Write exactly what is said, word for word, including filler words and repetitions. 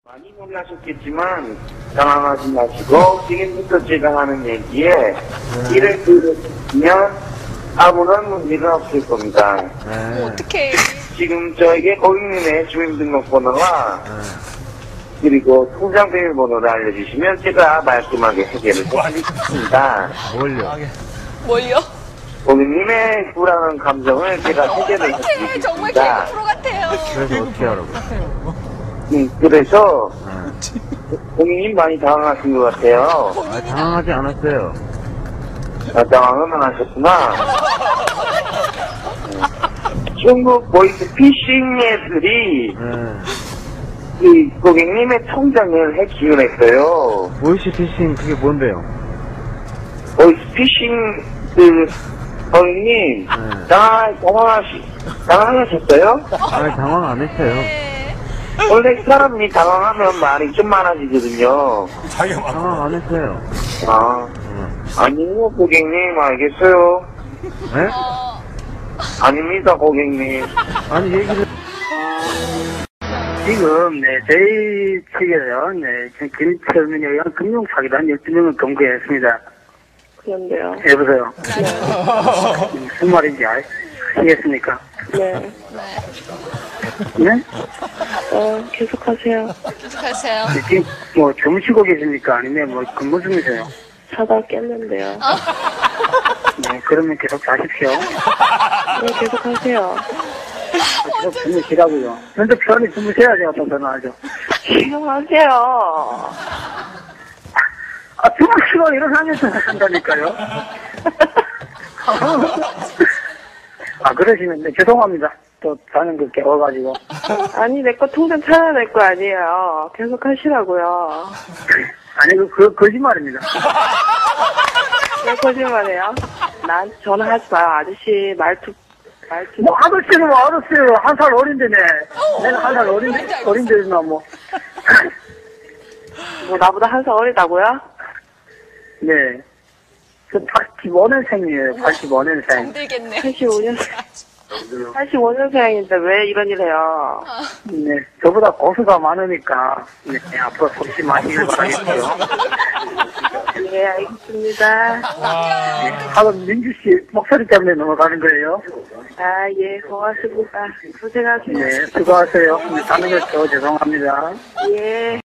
많이 놀라셨겠지만 당황하지 마시고 지금부터 제가 하는 얘기에 네. 이를 들으시면 아무런 문제가 없을 겁니다. 네. 어떡해. 지금 저에게 고객님의 주민등록번호와 네. 그리고 통장 비밀번호를 알려주시면 제가 말끔하게 해결을 해드리겠습니다. 뭘요? 뭘요? 고객님의 불안한 감정을 제가 해결을 어떡해. 정말 해드리겠습니다. 개그 프로 같아요. 그래서 어떻게 하라고? 음, 그래서 네. 고객님 많이 당황하신 것 같아요. 아, 당황하지 않았어요. 아, 당황은 안 하셨구나. 중국 보이스 피싱 애들이 네. 이 고객님의 통장을 해킹을 했어요. 보이스피싱 그게 뭔데요? 보이스 피싱 그 고객님 네. 당황, 당황하시, 당황하셨어요? 아니, 당황 안 했어요. 네. 원래 사람이 당황하면 말이 좀 많아지거든요. 당황 안 했어요. 아, 네. 아니요 고객님 알겠어요. 네? 어, 아닙니다 고객님. 아니, 얘기를. 지금, 네, 저희 측에서요, 네, 김철민에 의한 금융사기단 열두 명을 검거했습니다. 그런데요. 여보세요? 무슨 말인지 아시겠습니까? 네. 네? 어, 계속하세요. 계속하세요. 네, 지금 뭐 주무시고 계십니까? 아니면 뭐 근무 중이세요? 자다 깼는데요. 네, 그러면 계속 자십시오. 네, 계속하세요. 계속 주무시라고요. 현재 편히 주무셔야지 어떤 전화하죠. 계속하세요. 아, 주무시고 일어나면서 한다니까요. 아, 그러시면, 네, 죄송합니다. 또 자는 거 깨워가지고. 아니, 내 거 통장 찾아낼 거 아니에요. 계속하시라고요. 아니, 그, 그, 거짓말입니다. 왜 거짓말해요? 난 전화하지 마요, 아저씨. 말투, 말투. 뭐, 아저씨는 뭐, 알았어요. 한 살 어린데네. 내가 한 살 어린, 어린데나 뭐. 뭐, 나보다 한 살 어리다고요? 네. 저 팔십오 년생이에요. 팔십오 년생. 힘들겠네. 팔십오 년생. 팔십오 년생인데 왜 이런 일 해요? 네. 저보다 고수가 많으니까, 네. 앞으로 조심하시길 바라겠고요. 네, 알겠습니다. 네. 하루 민주씨 목소리 때문에 넘어가는 거예요. 아, 예, 고맙습니다. 고생하세요. 네. 수고하세요. 네, 자는 거 저 죄송합니다. 예.